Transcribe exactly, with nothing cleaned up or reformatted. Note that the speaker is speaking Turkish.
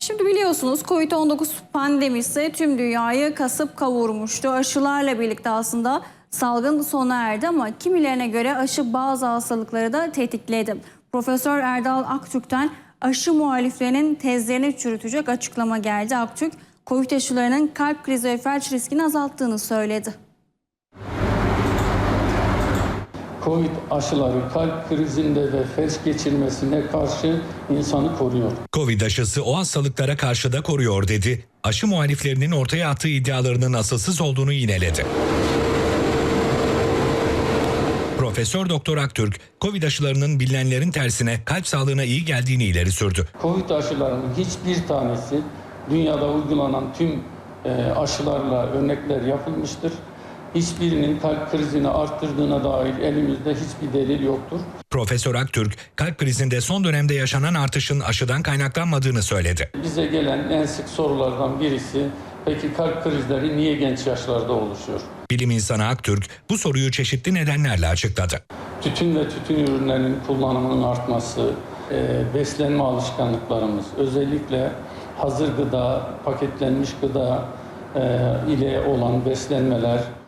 Şimdi biliyorsunuz Covid on dokuz pandemisi tüm dünyayı kasıp kavurmuştu. Aşılarla birlikte aslında salgın sona erdi ama kimilerine göre aşı bazı hastalıkları da tetikledi. Profesör Erdal Aktürk'ten aşı muhaliflerinin tezlerini çürütecek açıklama geldi. Aktürk, Covid aşılarının kalp krizi ve felç riskini azalttığını söyledi. Covid aşıları kalp krizinde ve felç geçirmesine karşı insanı koruyor. Covid aşısı o hastalıklara karşı da koruyor dedi. Aşı muhaliflerinin ortaya attığı iddialarının asılsız olduğunu yineledi. Profesör Doktor Aktürk, Covid aşılarının bilinenlerin tersine kalp sağlığına iyi geldiğini ileri sürdü. Covid aşılarının hiçbir tanesi dünyada uygulanan tüm aşılarla örnekler yapılmıştır. Hiçbirinin kalp krizini arttırdığına dair elimizde hiçbir delil yoktur. Profesör Aktürk, kalp krizinde son dönemde yaşanan artışın aşıdan kaynaklanmadığını söyledi. Bize gelen en sık sorulardan birisi, peki kalp krizleri niye genç yaşlarda oluşuyor? Bilim insanı Aktürk bu soruyu çeşitli nedenlerle açıkladı. Tütün ve tütün ürünlerinin kullanımının artması, beslenme alışkanlıklarımız, özellikle hazır gıda, paketlenmiş gıda ile olan beslenmeler,